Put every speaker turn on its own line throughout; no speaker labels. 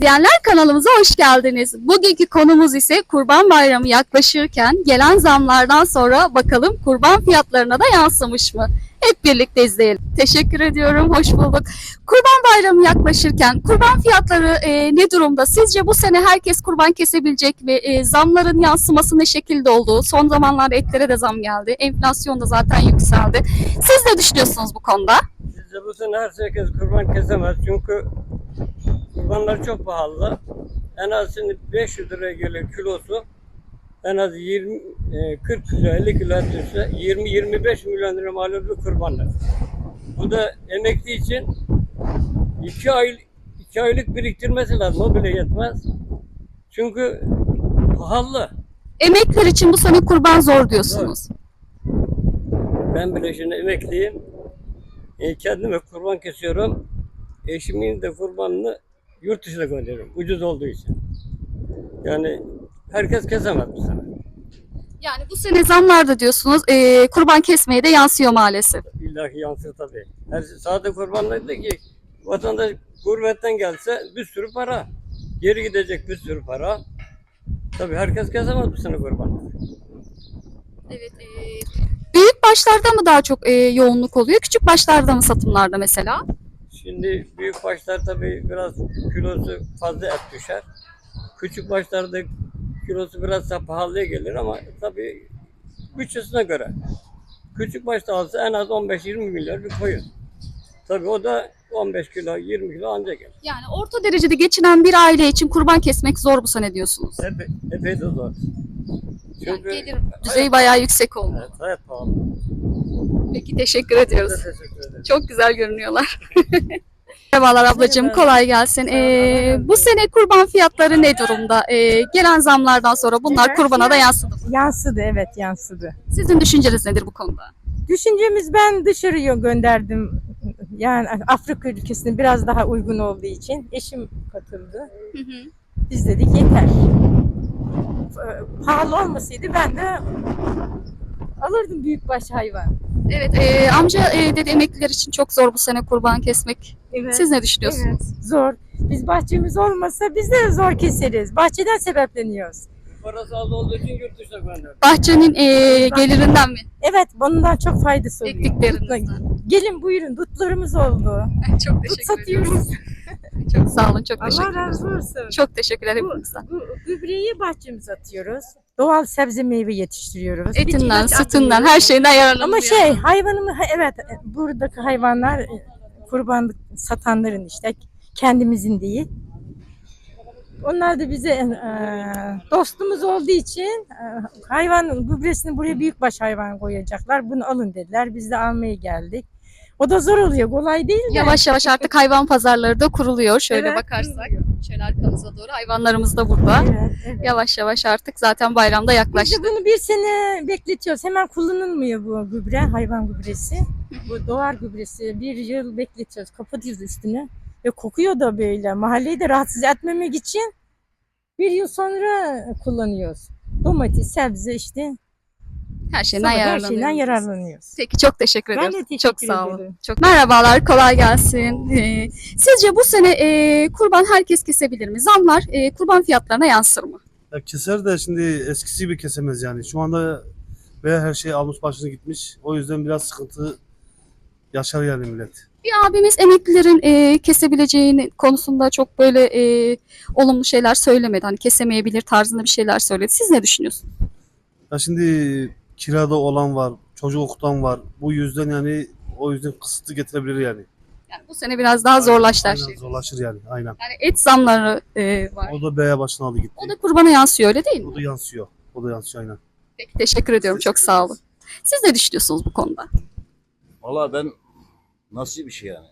İzleyenler kanalımıza hoş geldiniz. Bugünkü konumuz ise Kurban Bayramı yaklaşırken gelen zamlardan sonra bakalım kurban fiyatlarına da yansımış mı? Hep birlikte izleyelim. Teşekkür ediyorum, hoş bulduk. Kurban Bayramı yaklaşırken kurban fiyatları ne durumda? Sizce bu sene herkes kurban kesebilecek mi? Zamların yansıması ne şekilde oldu? Son zamanlarda etlere de zam geldi. Enflasyon da zaten yükseldi. Siz ne düşünüyorsunuz bu konuda?
Sizce bu sene herkes kurban kesemez çünkü kurbanlar çok pahalı. En az şimdi 500 liraya geliyor kilosu. En az 40 kilo 50 kilo et düşse 20-25 milyon lira mal oluyor kurbanlar. Bu da emekli için 2 aylık biriktirmesi lazım. O bile yetmez. Çünkü pahalı.
Emekliler için bu sene kurban zor diyorsunuz.
Ben bile şimdi emekliyim. Kendime kurban kesiyorum. Eşimin de kurbanını yurt dışına gönderiyorum. Ucuz olduğu için. Yani herkes kesemez bu sene.
Yani bu sene zamlarda diyorsunuz kurban kesmeye de yansıyor maalesef.
İlla ki yansır tabii. Sadece kurbanlar da ki vatandaş gurbetten gelse bir sürü para. Geri gidecek bir sürü para. Tabii herkes kesemez bu sene kurbanları.
Evet. Büyük başlarda mı daha çok yoğunluk oluyor? Küçük başlarda mı satımlarda mesela?
Şimdi büyük başlar tabii biraz kilosu fazla et düşer. Küçük başlarda kilosu biraz daha pahalıya gelir ama tabii bütçesine göre. Küçük başta alsa en az 15-20 milyar bir koyun. Tabii o da 15 kilo 20 kilo ancak gelir.
Yani orta derecede geçinen bir aile için kurban kesmek zor bu sene diyorsunuz.
Epey de zor.
Yani gelir düzeyi bayağı yüksek oldu.
Evet, hayat pahalı.
Peki teşekkür ediyoruz.
Size teşekkür ederim.
Çok güzel görünüyorlar. Merhabalar ablacığım,
Merhaba.
kolay gelsin. Bu sene kurban fiyatları ne durumda? Gelen zamlardan sonra bunlar kurbana da yansıdı mı?
Yansıdı, evet yansıdı.
Sizin düşünceniz nedir bu konuda?
Düşüncemiz, ben dışarıya gönderdim. Yani Afrika ülkesine biraz daha uygun olduğu için eşim katıldı. Biz dedik yeter. Pahalı olmasaydı ben de alırdım büyükbaş hayvan.
Evet, amca dedi emekliler için çok zor bu sene kurban kesmek.
Evet.
Siz ne düşünüyorsunuz?
Evet, zor. Biz bahçemiz olmasa biz de zor keseriz. Bahçeden sebepleniyoruz.
Parası az olduğu için yurt dışına gönderdim.
Bahçenin gelirinden mi?
Evet, bundan çok faydası oluyor.
Ektiklerinizden.
Gelin buyurun, dutlarımız oldu.
Çok
Dut
teşekkür
satıyoruz.
ederim. Çok sağ olun, çok
Allah
teşekkür ederim.
razı olsun.
Çok teşekkürler hepinizden.
Bu gübreyi bahçemize atıyoruz. Doğal sebze meyve yetiştiriyoruz.
Etinden,
İçinden
sütünden,
atıyoruz.
her şeyinden yararlanılıyor.
Ama hayvanımı evet, buradaki hayvanlar kurbanlık satanların işte, kendimizin değil. Onlar da bize dostumuz olduğu için hayvan gübresini buraya büyükbaş hayvan koyacaklar. Bunu alın dediler. Biz de almaya geldik. O da zor oluyor. Kolay değil de.
Yavaş yavaş artık hayvan pazarları da kuruluyor. Şöyle
Evet,
bakarsak.
kuruluyor.
Şöyle arkamıza doğru hayvanlarımız da burada.
Evet, evet.
Yavaş yavaş artık zaten bayramda
Biz
yaklaştı.
de bunu bir sene bekletiyoruz. Hemen kullanılmıyor bu gübre, hayvan gübresi. Bu doğal gübresi. Bir yıl bekletiyoruz. Kapatıyoruz üstüne. Ve kokuyor da böyle. Mahalleyi de rahatsız etmemek için bir yıl sonra kullanıyoruz. Domates, sebze işte.
Her şeyden
Her
yararlanıyoruz.
şeyden yararlanıyoruz.
Peki çok teşekkür
Ben
ederim.
de teşekkür
Çok sağ olun.
ederim.
Çok merhabalar, kolay gelsin. Sizce bu sene kurban herkes kesebilir mi? Zamlar kurban fiyatlarına yansır mı?
Ya keser de şimdi eskisi gibi kesemez yani. Şu anda ve her şey almış başını gitmiş. O yüzden biraz sıkıntı yaşar yani millet.
Bir abimiz emeklilerin kesebileceğini konusunda çok böyle olumlu şeyler söylemedi. Hani kesemeyebilir tarzında bir şeyler söyledi. Siz ne düşünüyorsunuz?
Ya şimdi kirada olan var, çocuk okutan var. Bu yüzden yani o yüzden kısıtlı getirebilir yani.
Yani bu sene biraz daha zorlaştı her
Aynen,
şey.
zorlaşır yani aynen.
Yani et zamları var.
O da B'ye başına aldı gitti.
O da kurbana yansıyor öyle değil mi?
O da yansıyor. O da yansıyor aynen.
Peki, teşekkür ediyorum. Çok sağ olun. Siz ne düşünüyorsunuz bu konuda?
Valla ben nasıl bir şey yani?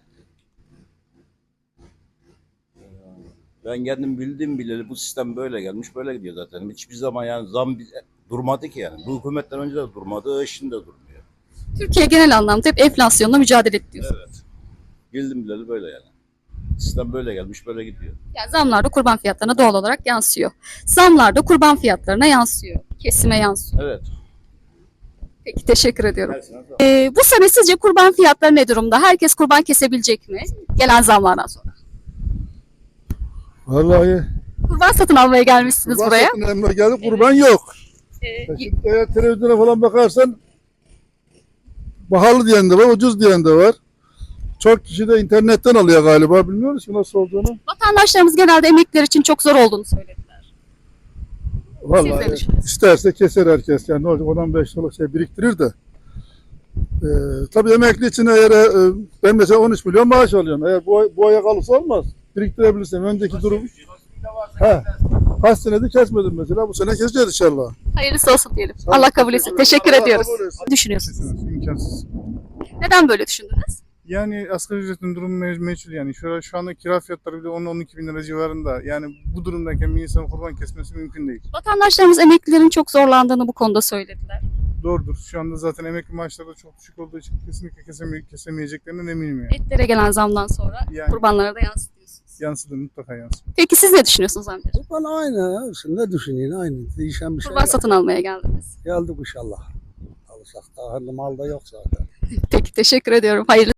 Ben kendim bildiğim bileli bu sistem böyle gelmiş, böyle gidiyor zaten. Hiçbir zaman yani durmadı ki yani. Bu hükümetten önce de durmadı, şimdi de durmuyor.
Türkiye genel anlamda hep enflasyonla mücadele ediyor.
Evet. Bildim bileli böyle yani. Sistem böyle gelmiş, böyle gidiyor.
Yani zamlar da kurban fiyatlarına doğal olarak yansıyor. Zamlar da kurban fiyatlarına yansıyor. Kesime yansıyor.
Evet.
Peki teşekkür ediyorum.
Gelsin,
Bu sene sizce kurban fiyatları ne durumda? Herkes kurban kesebilecek mi? Gelen zamlardan sonra.
Vallahi
Kurban satın almaya gelmişsiniz
kurban
buraya.
satın emre geldi, kurban yok.
Ee,
Şimdi eğer televizyona falan bakarsan pahalı diyen de var, ucuz diyen de var. Çok kişi de internetten alıyor galiba. Bilmiyoruz ki nasıl olduğunu.
Vatandaşlarımız genelde emekliler için çok zor olduğunu söylediler. Siz ne
Vallahi
düşünüyorsunuz?
isterse keser herkes. Yani ne olacak? 10-15 yıllık şey biriktirir de. Tabii emekli için eğer ben mesela 13 milyon maaş alıyorum. Eğer bu aya kalırsa olmaz. Biriktirebilirsem önceki durum. Kaç senedir kesmedim mesela. Bu sene keseceğiz inşallah.
Hayırlısı olsun diyelim.
Sağ olun,
Allah kabul etsin. Teşekkür
Allah
ediyoruz.
kabul etsin.
Ne düşünüyorsunuz?
İmkansız.
Neden böyle düşündünüz?
Yani asgari ücretin durumu meçhul yani. Şu anda kira fiyatları bile 10-12 bin lira civarında. Yani bu durumdayken bir insanın kurban kesmesi mümkün değil.
Vatandaşlarımız emeklilerin çok zorlandığını bu konuda söylediler.
Doğrudur. Şu anda zaten emekli maaşları da çok düşük olduğu için kesinlikle kesemeyeceklerinden eminim yani.
Etlere gelen zamdan sonra
Yani
kurbanlara da yansıtıyorsunuz.
yansıdır, mutlaka yansır.
Peki siz ne düşünüyorsunuz amcacığım?
Ben aynı. Ne düşüneyim aynı. Değişen bir şey
Kurban
yok.
satın almaya geldiniz.
Geldik inşallah. Alırsak da hayırlı mal da yok zaten.
Peki teşekkür ediyorum. Hayırlı